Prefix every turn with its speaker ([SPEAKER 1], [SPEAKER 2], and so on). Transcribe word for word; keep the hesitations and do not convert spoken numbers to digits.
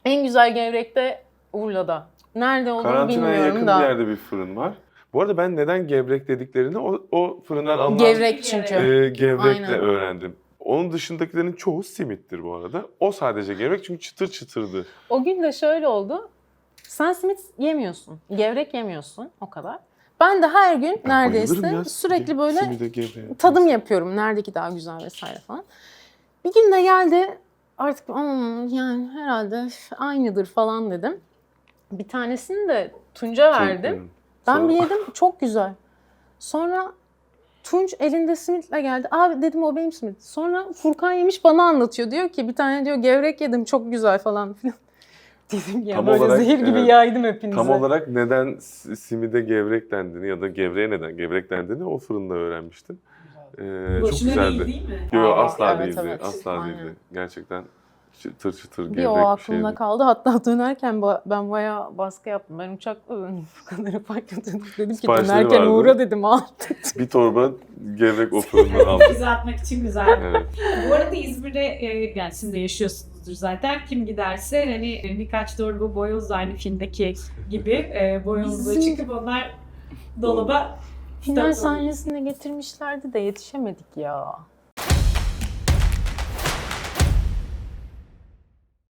[SPEAKER 1] En güzel gevrek de Urla'da. Nerede olduğunu
[SPEAKER 2] Karantinaya
[SPEAKER 1] bilmiyorum
[SPEAKER 2] yakın
[SPEAKER 1] da.
[SPEAKER 2] bir yerde bir fırın var. Bu arada ben neden gevrek dediklerini o, o fırından alınan
[SPEAKER 1] Gevrek çünkü.
[SPEAKER 2] e, gevrekle
[SPEAKER 1] Aynen.
[SPEAKER 2] öğrendim. Onun dışındakilerin çoğu simittir bu arada. O sadece gevrek çünkü çıtır çıtırdı.
[SPEAKER 1] O gün de şöyle oldu. Sen simit yemiyorsun. Gevrek yemiyorsun. O kadar. Ben de her gün
[SPEAKER 2] Ben bayılırım
[SPEAKER 1] neredeyse
[SPEAKER 2] ya
[SPEAKER 1] sürekli böyle
[SPEAKER 2] simide, gevreğe.
[SPEAKER 1] tadım yapıyorum. Neredeki daha güzel vesaire falan. Bir gün de geldi artık "Hmm, yani herhalde aynıdır falan dedim. Bir tanesini de Tunç'a
[SPEAKER 2] Çok
[SPEAKER 1] verdim.
[SPEAKER 2] beğendim.
[SPEAKER 1] Ben
[SPEAKER 2] Sonra-
[SPEAKER 1] bir yedim, çok güzel. Sonra Tunç elinde simitle geldi. Abi dedim o benim simit. Sonra Furkan yemiş bana anlatıyor. Diyor ki bir tane diyor gevrek yedim çok güzel falan filan. Dedim ya
[SPEAKER 2] Tam
[SPEAKER 1] böyle
[SPEAKER 2] olarak,
[SPEAKER 1] zehir gibi
[SPEAKER 2] evet,
[SPEAKER 1] yaydım hepinize.
[SPEAKER 2] Tam olarak neden s- simide gevrek dendiğini ya da gevreğe neden gevrek dendiğini o fırında öğrenmiştim. Ee, çok
[SPEAKER 3] Boşuna
[SPEAKER 2] güzeldi.
[SPEAKER 3] değil değil mi?
[SPEAKER 2] Yok
[SPEAKER 1] Aa,
[SPEAKER 2] asla
[SPEAKER 1] evet,
[SPEAKER 2] değildi.
[SPEAKER 1] evet.
[SPEAKER 2] Asla
[SPEAKER 1] Aynen.
[SPEAKER 2] değildi. Gerçekten çıtır çıtır
[SPEAKER 1] Bir
[SPEAKER 2] gevrek
[SPEAKER 1] o
[SPEAKER 2] bir
[SPEAKER 1] aklımda
[SPEAKER 2] şeydi.
[SPEAKER 1] kaldı. Hatta dönerken ba- ben bayağı baskı yaptım. Ben uçakla bu kadarı patlatıyordum. Dedim ki
[SPEAKER 2] Siparişleri
[SPEAKER 1] dönerken
[SPEAKER 2] vardı.
[SPEAKER 1] uğra dedim al dedim.
[SPEAKER 2] Bir torba gevrek o fırından aldık.
[SPEAKER 3] Düzeltmek için güzel.
[SPEAKER 2] Evet.
[SPEAKER 3] Bu arada İzmir'de, e, yani siz de yaşıyorsunuzdur zaten. Kim giderse hani birkaç torba boyoz aynı filmdeki gibi e, boyozla
[SPEAKER 1] Bizim-
[SPEAKER 3] çıkıp onlar dolaba
[SPEAKER 1] Final
[SPEAKER 3] Tabii.
[SPEAKER 1] sahnesine getirmişlerdi de yetişemedik ya.